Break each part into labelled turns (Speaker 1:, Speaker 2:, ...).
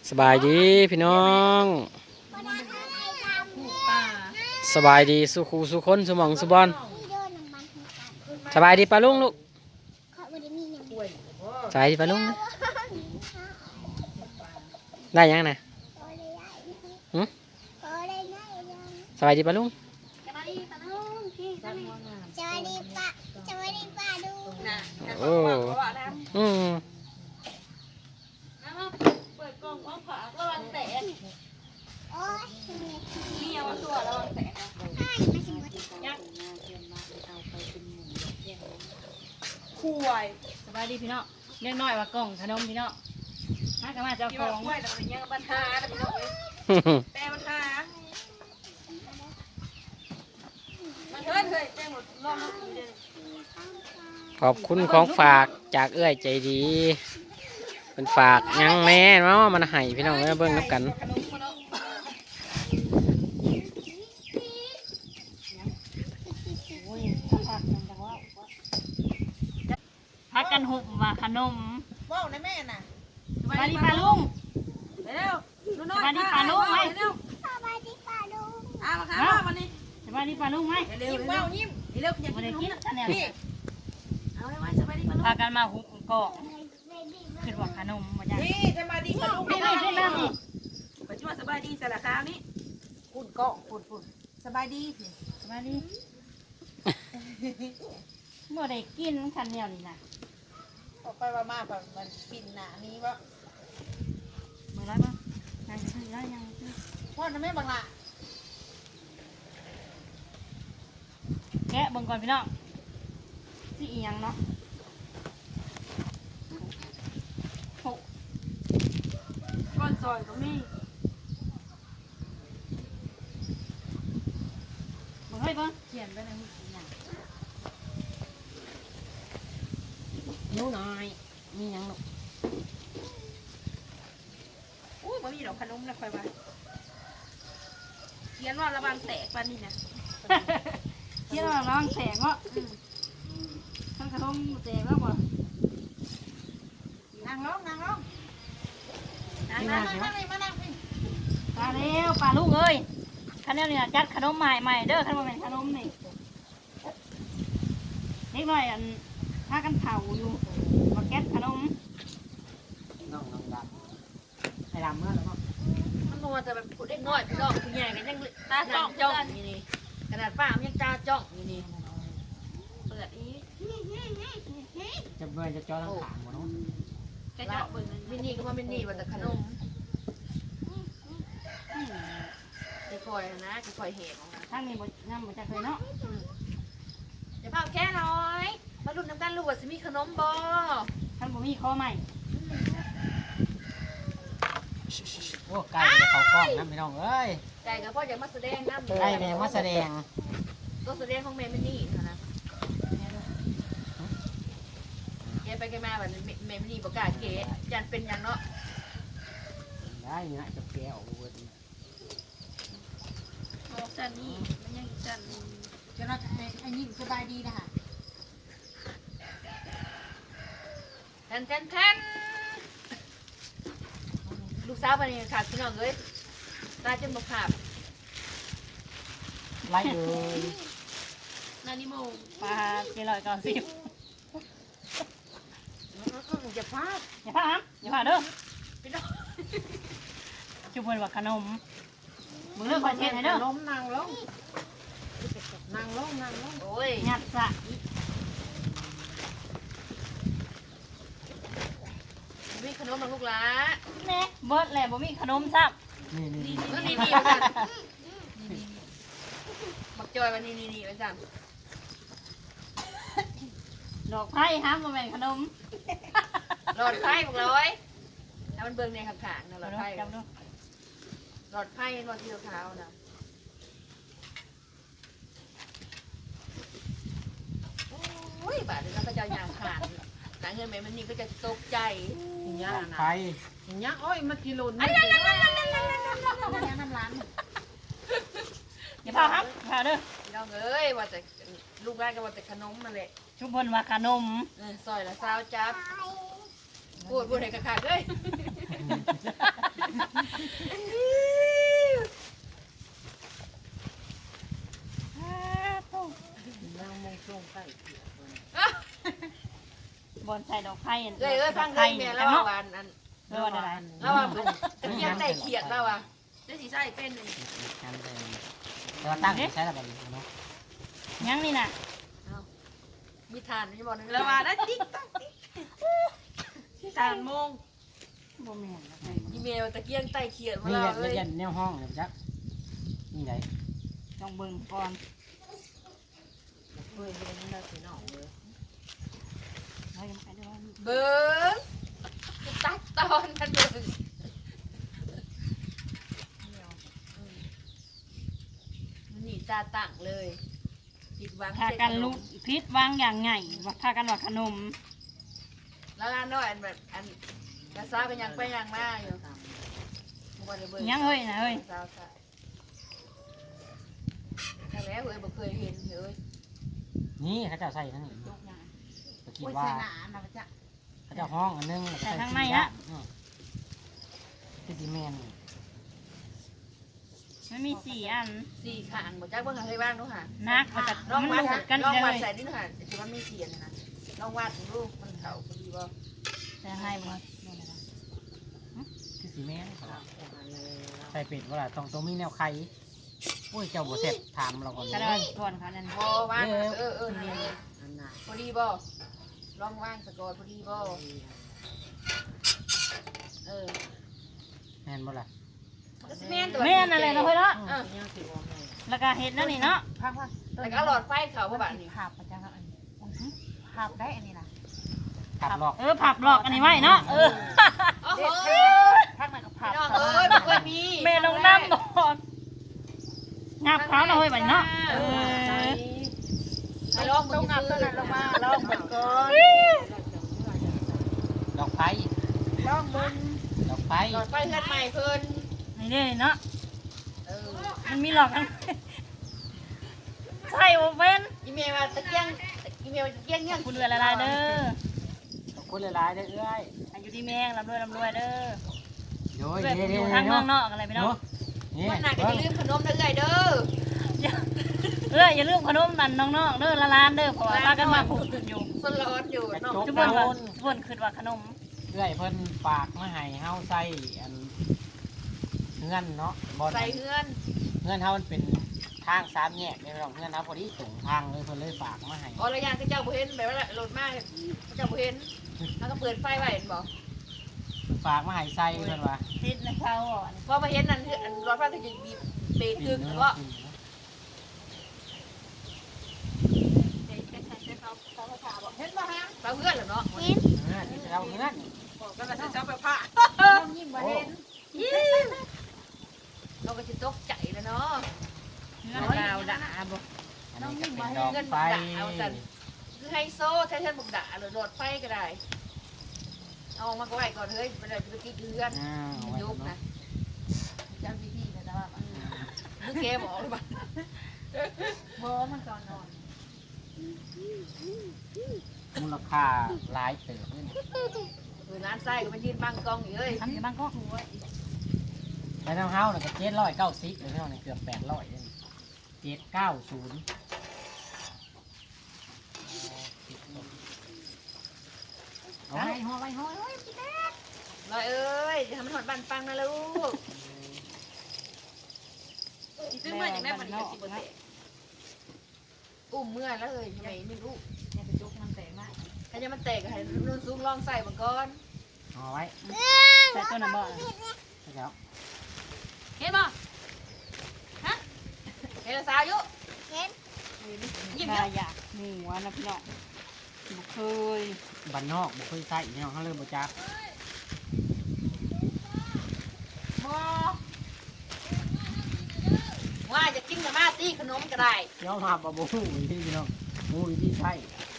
Speaker 1: สบายดีพี่น้องสบายดีสุขูสุคนสมองสุบอนสบายดีปลาลุงลูกสบายดีปลาลุงนะได้ยังนะสบายดีปลาลุงโอ้อืม
Speaker 2: คุยสบายดีพี่น้องเรียกน้อยว่ากล่องขนมพี่น้องมากันมาเจ้าของคุยแต่มันยังปัญหาพี่น้องแต่ปัญหามันเฮ้ยแจ้งหมดรอบเมื่อกี้เลย
Speaker 1: ขอบคุณของฝากจากเอื้อยใจดีเป็นฝากยังแม่เนาะมันให้พี่น้องเอ้ยเบิ่งน้ำกัน
Speaker 2: พักกันหุบว่าขนม
Speaker 3: ว้าวนะแม่น่ะ
Speaker 2: สบายดีปลาลุง
Speaker 3: เร็วดูน้อย
Speaker 2: สบายดีปลาลุงไหม
Speaker 3: เร็วเอามาค่ะวันนี้
Speaker 2: สบายดีปลาลุงไหม
Speaker 3: เร็วว้าวยิ้มเร็วอยาก
Speaker 2: วัน
Speaker 3: กิน
Speaker 2: นี้
Speaker 3: ขน
Speaker 2: กิ
Speaker 3: ม
Speaker 2: น
Speaker 3: นะ
Speaker 2: เนี่ย
Speaker 3: พี่เอาเลยว่าสบายดีปะลูก
Speaker 2: พากันมาหุบกล่องขึ้นว่าขนมมาจ้ะ
Speaker 3: นี่สบายดีปะลูก
Speaker 2: ไม่ไม่ไม่ไม่
Speaker 3: ปัจจุบันสบายดีสารคามนี่ปุ่นเกาะปุ่นสบายดี
Speaker 2: สบายดีเมื่อได้กินขันเดียวนี่นะ
Speaker 3: ออกไปว่ามาแบบมันปิ่นหนานี้วะ
Speaker 2: มือร้อยบ้างยังขึ้นแล้วยังขึ้น
Speaker 3: พ่อนะแม่บังละ
Speaker 2: แกะเบิ่งก่อนพี่น้องที่อีหยังเนาะโหก้อนซอยก็มีเบิ่งให้เบิ่งเขียนไปในมืออีหยัง
Speaker 1: นิ้วน้อยมียังลูก
Speaker 3: อุ้ยมันมีดอกขนมนะคอยว่าเขียนว่าระวังแตกปันนี่นะ
Speaker 2: ที่เราลองแสงเนาะทั้งขนมแตกแล้วบ่
Speaker 3: นั่งลงนั่งเลยมานั่งพี่
Speaker 2: ตาเร็วปลาลูกเอ้ยคันนี้เนี่ยจัดขนมใหม่เด้อคันว่าเป็นขนมนี่เล็กน้อยอันพากันเผาอยู่มาแก๊สขนม
Speaker 1: น้องดำให้ดำเมื่อแล้วก็
Speaker 3: มันนัวแต่แบบเด็กน้อยพี่น้องผู้ใหญ่กันยังตาจ้องจ้องนี่ขนาดป้ามันยังตาจ้องนี่เปิดอี
Speaker 1: จะเบิ่งจะจอทั้งขางหมดเนาะ
Speaker 3: แค่เจาะเบิ่งมินี่ก็ว่ามินี่ว่าแต่ขนมค่อยๆนะค่อยๆเห็น
Speaker 2: ทางนี้บ่น้ำบ่จักเลยเนาะ
Speaker 3: อย่าเผาแค่น้อยมาลุ้นน้ำกันลูกว่าจะมีขนมบ่
Speaker 2: ท่านบ่มีข้อใหม่
Speaker 1: โอ้ไก่จะเข้ากล้องนะพี่น้องเอ้ย
Speaker 3: ใจกับพ่ออยากมาแสดงน้ำ
Speaker 1: ไก่แม่มาแสดง
Speaker 3: ก็แสดงของแม่มินี่นะแกไปแกมาแบบแม่มินี่บอกกล้าเก๋จันเป็นยังเนาะ
Speaker 1: ได้นะจะแก้วเว้ย
Speaker 3: จันนี่มันยังจัน
Speaker 4: จะเราไอ้นี่สบายดีนะคะ
Speaker 3: แทนลูกสาวไปนี่ขาดพี่น้องเลยตาจนบกขาด
Speaker 1: ไล่เลย
Speaker 3: นานิโม
Speaker 2: ปลา790
Speaker 3: อย่าพลาด
Speaker 2: อย่าพลาดอย่าพลาดเด้อ
Speaker 3: พี่น้อง
Speaker 2: ชุบเพิ่นว่าขนมมึงเลิกคอยเทศให้เด้อ
Speaker 3: ล้มนั่งลงโอ้ย
Speaker 2: งัดซะ
Speaker 3: มีขนมมาลูกหลา
Speaker 2: แน่เบิดแหละบ่มีขนมซับ
Speaker 1: นี่
Speaker 3: นี่กันบักจอยวันนี้ไปสั่ง
Speaker 2: ดอกไผ่ห้ามบ่แม่นขนม
Speaker 3: หลอดไพ่บอกเลยแล้วมันเบิ่งในขับขางนะหลอดไพ่
Speaker 2: จำดู
Speaker 3: หลอดไพ่หลอดที่เท้านะโอ้ยบาดนี้ก็จะยางขาดหนังเงินแม่มันนี่ก็จะตกใจย่านะ
Speaker 1: ไป
Speaker 4: อย่างเงี้ยโอ้ยมากิโลนึงน้ำร้าน
Speaker 2: อย่าพลาดครับอย่าพลาดเด้อ
Speaker 3: พี่น้องเอ้ยว่าแต่ลูกแรกก็ว่าแต่ขนมมาเลย
Speaker 2: ชุบเพิ่นว่าขนม
Speaker 3: ซอยละซาวจับพูดให้ขาดเลย
Speaker 2: บอนใส่ดอกไผ่
Speaker 3: ฟังเลยแม่แล้วว่าวันอัน
Speaker 2: เอออะไร
Speaker 3: แล้วว่าตะเกียงไต่เขียดแล้วว่าได้สีใส่เป็นเลย
Speaker 1: แต่ว่าตั้งใช้ระเบิดเนาะ
Speaker 2: ยังนี่น่ะ
Speaker 3: มีทานนี่บอกนึง
Speaker 4: แล้วว่าได้ติ๊กตักติ๊ก3 โมง
Speaker 2: บ่แม่น
Speaker 3: อีเมลตะเกียงไต่เขียดมา
Speaker 1: นี่
Speaker 3: แล้ว
Speaker 1: เรียนแนวห้องเลยจักนี่ไหน
Speaker 2: ต้องเบิ่งก่อน
Speaker 3: เฮ้ยเป็นนี่เราสีหนองเลย
Speaker 2: เรายังไปได้ว่า
Speaker 3: เบิ้งตัดตอนกันเบิ้งหนีตาตั้งเลยผิดหวัง
Speaker 2: พากันลุกพิษวางอย่างไงว่าพากันว่าขนม
Speaker 3: แล้วร้านน้อยอันแบบอันกระซ้ากันยังไปยังมาอยู่
Speaker 2: ยังเฮ้ยนะเฮ้ย
Speaker 3: แต่แล้วเฮ้ยบ่เคยเห็นเฮ้ย
Speaker 1: นี่เขาจะใส่ทั้งนี้ตะกี้
Speaker 4: โอ้ย
Speaker 1: ว่า
Speaker 4: ใส่หนานะจ๊ะ
Speaker 1: เขาจะห้องอันนึงที่ซีเมน
Speaker 2: มันมี4 อัน
Speaker 3: สี่ขางบ่จักเบิ่งให้บ้างดูค่ะ
Speaker 2: นักมันจะ
Speaker 3: ลอง
Speaker 2: มัน
Speaker 3: วัด
Speaker 2: หลุดกัน
Speaker 3: ลอง
Speaker 2: เล
Speaker 3: วัด
Speaker 2: ย
Speaker 3: ใส่นี่ค่ะสิมันมีเสียนนะลองวัดดูมันเข้าพอดีบ่
Speaker 2: จะให้บ่
Speaker 1: ที่ซีเมนใส่เป็ดว่าล่ะต้องมีแนวไข่โอ้ยเจ้าบ่เสร็จถามเราก่อน
Speaker 2: ก็ได้ก่อนค่ะนั่น
Speaker 3: บ่วางนี่พอดีบ่ลองวางสะกดพอดีบ่
Speaker 1: แม่นบ่ล่ะ
Speaker 3: ก็สิแม่นตัว
Speaker 2: แม่นอะไรเนาะเฮ้ยเนาะ
Speaker 3: เออ
Speaker 2: แล้วก็เฮ็ดนั่นนี่เนาะ
Speaker 4: พัก
Speaker 3: แล้วก็หลอดไฟเข้าบ่บาดนี้
Speaker 4: ภาพประจังอันนี้ภาพได้อันนี้นะ
Speaker 1: ขับหลอก
Speaker 2: ผับหลอกอันนี้ไว้เนาะ
Speaker 3: โอ้โห
Speaker 4: พักไหนกับภาพ
Speaker 3: น้องเอ้ยบ่เคยมี
Speaker 2: แม่ลงน้ำก่อนงับเท้าเนาะเฮ้ยบัดเนาะ
Speaker 3: ไปลองมึ
Speaker 4: ต้อง
Speaker 3: ง
Speaker 4: งับตัวนั้นลงมาลองเบิ่งก่อน
Speaker 1: ดอกไฟ
Speaker 4: ลองเบิ่ง
Speaker 1: ดอกไฟ
Speaker 3: หลอดไฟเฮือนใหม่เพิ่น
Speaker 2: นี่เด้เนาะ มันมีหลอกกันใช่โอเว่น
Speaker 3: อีเมลว่าตะเกียงอีเมลตะเกียงเนี่ย
Speaker 2: คุณเรือละลายเด้อ
Speaker 1: ขอบคุณหลายๆเด้อเอ้ย
Speaker 2: อายุดีแมงร่ำรวยเด้อ
Speaker 1: โยย
Speaker 2: เพื่อน
Speaker 1: เด้
Speaker 2: อยู่
Speaker 1: ๆ
Speaker 2: ทางเมือง
Speaker 1: เนาะ
Speaker 2: นอกอะไรพี่น้อง
Speaker 1: นี่
Speaker 3: วันหนักก็อย่าลืมขนมเด้อเด้อ
Speaker 2: อย่าลืมขนมนันน้องๆเด้อละลานเด้อเพราะว่าพากันมาผูกอยู่
Speaker 3: สนร้อนอยู่เนาะ
Speaker 2: ทุกคนว่าทุกคนคิดว่าขนม
Speaker 1: เอ้ยเพิ่นฝากมาให้เฮาใส่อันเงื่อนเนาะบ่
Speaker 3: ใส่เฮือน
Speaker 1: เงื่อนเฮามันเป็นทางสามแยกเลยพี่น้องเงื่อนเฮาพอดีตรงทางเลยเพิ่นเลยฝากมาให้
Speaker 3: อ๋อระยะที่เจ้าบ่เห็นแบบว่าโหลดมากเจ้าบ่เห็นแล้วก็เปิดไฟไว้เห็นบ่
Speaker 1: ฝากมาให้ใส่เพิ่นว่า
Speaker 2: ติดในเขาอ่ะ
Speaker 3: พอมาเห็นนั่นคืออันรถไฟก็จะบีบเบรกกึกแล้วก็
Speaker 4: เห็นบ่ฮะ
Speaker 3: เราเพื่อนเหรอเนาะ
Speaker 1: เงื่อนที่เราเงื่อน
Speaker 4: บอกกันว่าจะเจ้าไปผ้าลองยิ้มบ่เห็น
Speaker 3: เราก็จะตกใจแล้วเนาะ
Speaker 2: เงินดาวด่าบ่
Speaker 1: อันนี้ก็เป็นดอกไฟ
Speaker 3: คือไฮโซแท้ๆบุกด่าหรือโหลดไฟก็ได้เอามาก็ไว้ก่อนเฮ้ยไปเลยไปกินเฮือน ยุบนะ
Speaker 4: จำดีๆนะจ๊ะว่า
Speaker 3: นึกเกมออกหรือเปล่า
Speaker 4: บ่มันก่อนนอน
Speaker 1: มูลค่าหลายเติบนี่
Speaker 3: ร้านไส้ก็มันยืนบังกล้องอยู่เลย
Speaker 2: ทำอยู่บ้างก็
Speaker 1: แต่ทางเฮาน่ะก็790เลยพี่น้องเกือบ800เลย790เอาไว้
Speaker 4: หัวไว้หัว
Speaker 3: ลอยเอ้ยจะทำมันหอดบันปังนะลูกซื้อมาจากไหนมันอีกสิบเปอร์เซ็นต์อุ้มเมื่อแล้วเลยทำไมไม่รู้
Speaker 4: เนี่ยไปจุกมันแตกมาก
Speaker 3: ถ้าจะมันแตกให้รุ่นสูงลองใส่มาก่อน
Speaker 1: เอาไว้
Speaker 2: ใส่ตัวน่ะบ่
Speaker 1: แล้ว
Speaker 3: เห็นป่ะฮะเห็นสาวยุยิ้ม
Speaker 2: ได้
Speaker 3: เยอะ
Speaker 2: อยากหมูนะพี่น้องบ่เคย
Speaker 1: บ้านนอกบ่เคยใส่พี่น้องเฮาเลยบ่จัก
Speaker 3: ว่าจะกินกับมาตีขนมก็ได้
Speaker 1: ยอมรับว่าบ่ฮู้วิธีพี่น้องฮู้วิธีใช้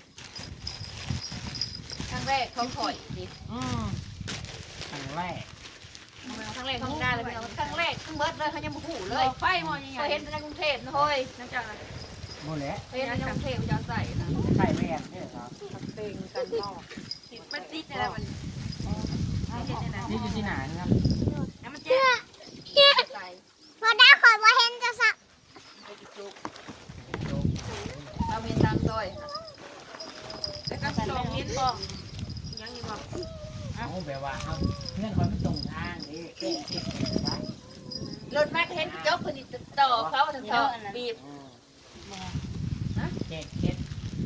Speaker 3: ครั้งแรกเขาถอยดิ
Speaker 1: ครั้งแรก
Speaker 3: ครั้งแรกเขาได้เลยพี่น้องครั้งแรกทั้งเบิดเลยเขายังบ่หูเลย
Speaker 4: ไฟมอยังไง
Speaker 3: เคยเห็นในกรุงเทพนะเฮ้ย
Speaker 4: นั่นจัง
Speaker 1: บ่แหละ
Speaker 3: เคยเห็นในกรุงเทพจะใส่นะ
Speaker 1: ใส่แม่นเด้อครับ
Speaker 4: เต็งกันเนาะ
Speaker 3: มันติดอะไรมัน
Speaker 1: นี่อยู่ที่ไหนครับ
Speaker 3: แล้วมันเจ็
Speaker 1: แบบว่าเอาเงื่อนคอยไม่ตรงทางนี่เอ๊ะเอ๊ะไป
Speaker 3: รถมาเห็นจบพอดีต่อเขาทั้งเขาบีบ
Speaker 1: เจ็ดเจ็ด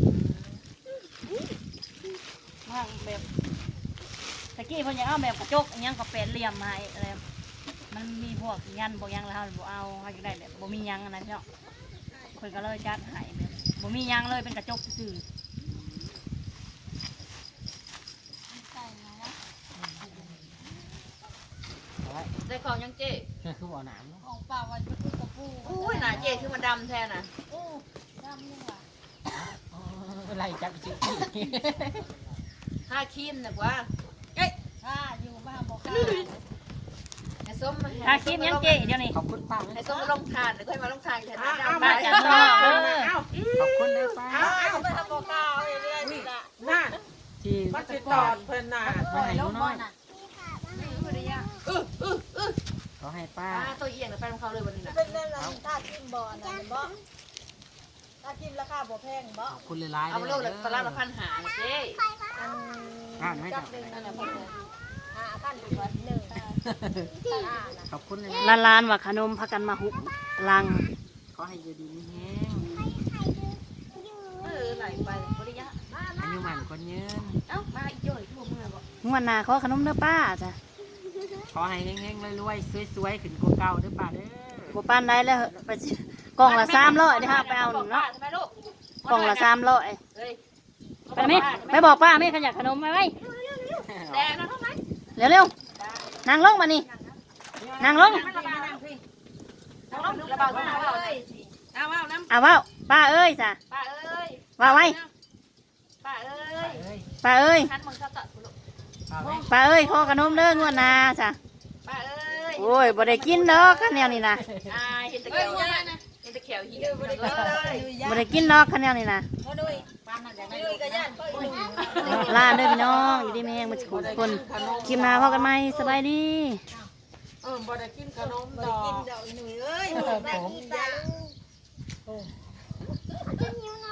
Speaker 2: ว่างแบบตะกี้เพิ่นยังเอาแบบกระจกอันยังก็เป็นเหลี่ยมมาให้อะไรมันมีพวกยันพวกยังแล้วบ่เอาเฮาอยากได้แบบบ่มียังอันนั้นเนาะเพิ่นก็เลยจัดให้แบบบ่มียังเลยเป็นกระจกซื่อ
Speaker 3: ได้ของยังเจ๊
Speaker 1: นี่คือบ่อน้ำเนาะ
Speaker 4: ของป่าวันก็คือกระปู
Speaker 3: อุ้ยหนาเจ๊คือมันดำแท้น่ะ
Speaker 4: โอ้ดำนี่ว่ะ
Speaker 1: ไล่จับจิ๋ว
Speaker 3: 5ครีมน่ะกว่า
Speaker 4: ถ้าอยู่บ้านบอกค่ะ
Speaker 3: ให้ส้ม
Speaker 2: ๆถ้าคิดยังเจ๊เดี๋ยวนี้
Speaker 1: ขอบคุณป้า
Speaker 3: ให้ส้มมาลงทานแล้วค่อยมาลงทานแทนดำ
Speaker 2: ป้าจะรอเด้อ
Speaker 1: ขอบคุณเลยป้า
Speaker 4: เอาไปทำบอกกาวเรื่อยๆจ้ะ
Speaker 5: น่า
Speaker 1: ที่
Speaker 5: มาติดตอดเพิ่นน่ะ
Speaker 1: มาให้น้น้อย ขอให้ป้า
Speaker 3: ตัวเอียงแล้วไปของเขาเลยวันนี้น่ะ
Speaker 4: เป็นเรื่องอะไรถ้ากินบ่อนะบ่ถ้ากินราคาบ่แพงบ่
Speaker 1: ขอบคุณหลายๆ
Speaker 3: เอามาโลกเลยตลาดละ1,500น่ะเจ๊
Speaker 1: อ่านไม่
Speaker 4: จั
Speaker 1: จั
Speaker 4: บบ หนึ่งนั่นแหละเพิ่นเลยท่านเป็นวันหนึ่งนะ
Speaker 1: ขอบคุณเลย
Speaker 2: ล้านๆว่าขนมพากันมาหุบลัง
Speaker 1: ขอให้อยู่ดีมีแห้ง
Speaker 3: ไหลไปบริยะ
Speaker 1: อายุหมันคนยืน
Speaker 3: เอ้ามาอีกจ่อยทั่วเมืองบ่
Speaker 2: งวดหน้าขอขนมเด้อป้าจ้ะ
Speaker 1: ขอให้เฮงๆรวยๆสวยๆขึ้นกว่าเก่าเด้อป้าเด้อ
Speaker 2: บ่ปานได้แล้วไปกล่องละ300เด้อฮะไปเอาหนึ่งเนาะ
Speaker 3: ทำไมลูก
Speaker 2: กล่องละ300
Speaker 3: เฮ้ย
Speaker 2: ไปไหมไปบอกป้าแม่ขยักขนมไปไว้
Speaker 3: แดงนะเท่าไหร่
Speaker 2: เร็วๆนั่งลงมานี่นั่งลง
Speaker 3: ระบาดน้ำเลยเอาเอาน้ำ
Speaker 2: เอาเว้าป้าเอ้ยจ้ะ
Speaker 3: ป้าเอ้ย
Speaker 2: ว่าไว้
Speaker 3: ป้าเอ้ย
Speaker 1: เอ้ย
Speaker 2: ป้าเอ้ย
Speaker 3: คันมึงเขาตัดกูลูก
Speaker 1: ป้าไหม
Speaker 2: ป้าเอ้ยขอขนมเด้องวดหน้าจ้ะ
Speaker 3: ป้าเอ้ย
Speaker 2: โอ้ยบ่ได้กินดอกคันแนวนี้นะ
Speaker 3: เห็นตะเขียวเห็นตะเขียวเหี่ยวเลย
Speaker 2: บ่ได้กินดอกคันแนวนี้นะ
Speaker 4: โอ้ดุยบ้านนั่นอย่างนั้นดุยก็ย่านก็ดุย
Speaker 2: ลาเด้อพี่น้องอยู่ดีแม่งมาทุกคนคลิปหน้าพอกันใหม่สบายดี
Speaker 5: บ่ได้กินขนม
Speaker 4: บ่
Speaker 5: ด
Speaker 4: ได้
Speaker 5: อ
Speaker 4: กิน
Speaker 5: ก
Speaker 4: ดอกอีหนุ่ยเอ้ย
Speaker 5: ผม
Speaker 4: ได้กินปลา
Speaker 5: โอ้
Speaker 4: กินอยู่